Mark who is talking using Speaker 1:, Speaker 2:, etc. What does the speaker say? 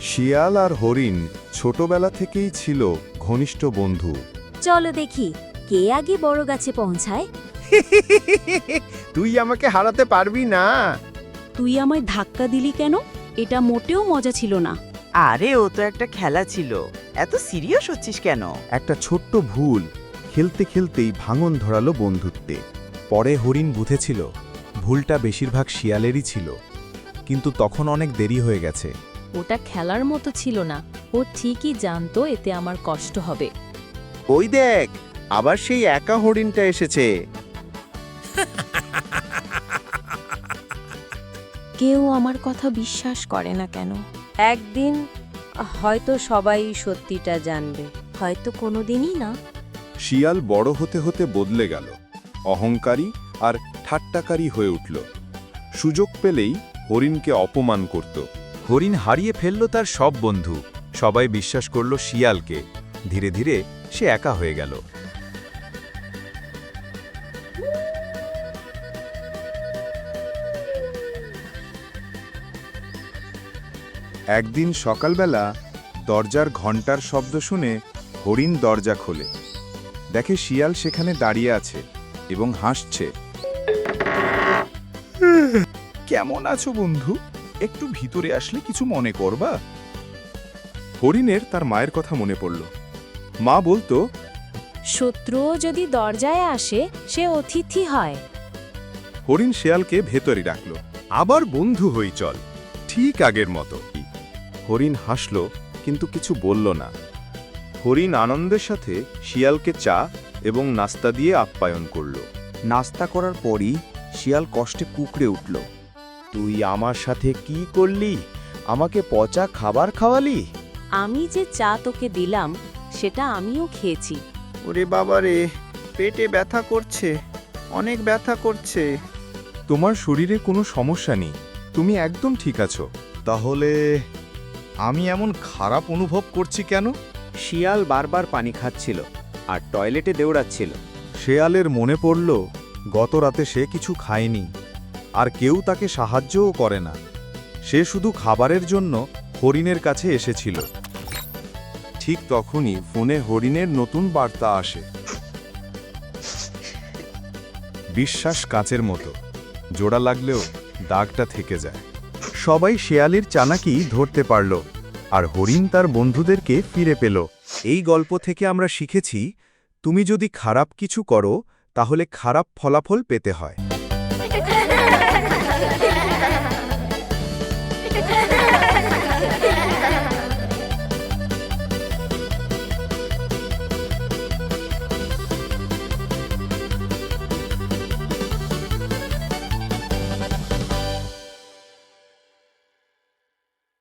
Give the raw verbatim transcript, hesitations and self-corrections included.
Speaker 1: শিয়াল আর হরিণ ছোটবেলা থেকেই ছিল ঘনিষ্ঠ বন্ধু।
Speaker 2: চলো দেখি কে আগে বড় গাছে পৌঁছায়।
Speaker 3: তুই আমাকে হারাতে পারবি না।
Speaker 4: তুই আমায় ধাক্কা দিলি কেন? এটা মোটেও মজা ছিল না।
Speaker 5: আরে ও তো একটা খেলা ছিল, এত সিরিয়াস হচ্ছিস কেন?
Speaker 1: একটা ছোট্ট ভুল খেলতে খেলতেই ভাঙন ধরালো বন্ধুত্বে। পরে হরিণ বুঝেছিল ভুলটা বেশিরভাগ শিয়ালেরই ছিল, কিন্তু তখন অনেক দেরি হয়ে গেছে।
Speaker 6: ওটা খেলার মতো ছিল না, ও ঠিকই জানতো এতে আমার কষ্ট হবে।
Speaker 3: ওই দেখ, আবার সেই একা হরিণটা এসেছে।
Speaker 4: কেউ আমার কথা বিশ্বাস করে না কেন?
Speaker 2: একদিন হয়তো সবাই সত্যিটা জানবে, হয়তো কোনোদিনই না।
Speaker 1: শিয়াল বড় হতে হতে বদলে গেল, অহংকারী আর ঠাট্টাকারী হয়ে উঠল। সুযোগ পেলেই হরিণকে অপমান করত। হরিণ হারিয়ে ফেলল তার সব বন্ধু, সবাই বিশ্বাস করল শিয়ালকে। ধীরে ধীরে সে একা হয়ে গেল। একদিন সকালবেলা দরজার ঘণ্টার শব্দ শুনে হরিণ দরজা খোলে। দেখে শিয়াল সেখানে দাঁড়িয়ে আছে এবং হাসছে। কেমন আছো বন্ধু? একটু ভিতরে আসলে কিছু মনে করবা? হরিণের তার মায়ের কথা মনে পড়ল। মা বলতো,
Speaker 6: শত্রুও যদি দরজায় আসে সে অতিথি হয়।
Speaker 1: হরিণ শিয়ালকে ভেতরে ডাকল। আবার বন্ধু হই চল, ঠিক আগের মতো। হরিণ হাসল কিন্তু কিছু বলল না। হরিণ আনন্দের সাথে শিয়ালকে চা এবং নাস্তা দিয়ে আপ্যায়ন করল।
Speaker 3: নাস্তা করার পরই শিয়াল কষ্টে কুকড়ে উঠল। তুই আমার সাথে কি করলি? আমাকে পচা খাবার খাওয়ালি?
Speaker 4: আমি যে চা তোকে দিলাম সেটা আমিও খেয়েছি।
Speaker 3: ওরে বাবা রে, পেটে ব্যথা করছে, অনেক ব্যথা করছে।
Speaker 1: তোমার শরীরে কোনো সমস্যা নেই, তুমি একদম ঠিক আছো।
Speaker 7: তাহলে আমি এমন খারাপ অনুভব করছি কেন?
Speaker 3: শিয়াল বারবার পানি খাচ্ছিল আর টয়লেটে দৌড়াচ্ছিল।
Speaker 1: শেয়ালের মনে পড়ল গত রাতে সে কিছু খায়নি, আর কেউ তাকে সাহায্যও করে না। সে শুধু খাবারের জন্য হরিণের কাছে এসেছিল। ঠিক তখনই ফোনে হরিণের নতুন বার্তা আসে। বিশ্বাস কাচের মতো, জোড়া লাগলেও দাগটা থেকে যায়। সবাই শেয়ালের চালাকি ধরতে পারল, আর হরিণ তার বন্ধুদেরকে ফিরে পেল। এই গল্প থেকে আমরা শিখেছি, তুমি যদি খারাপ কিছু করো তাহলে খারাপ ফলাফল পেতে হয়।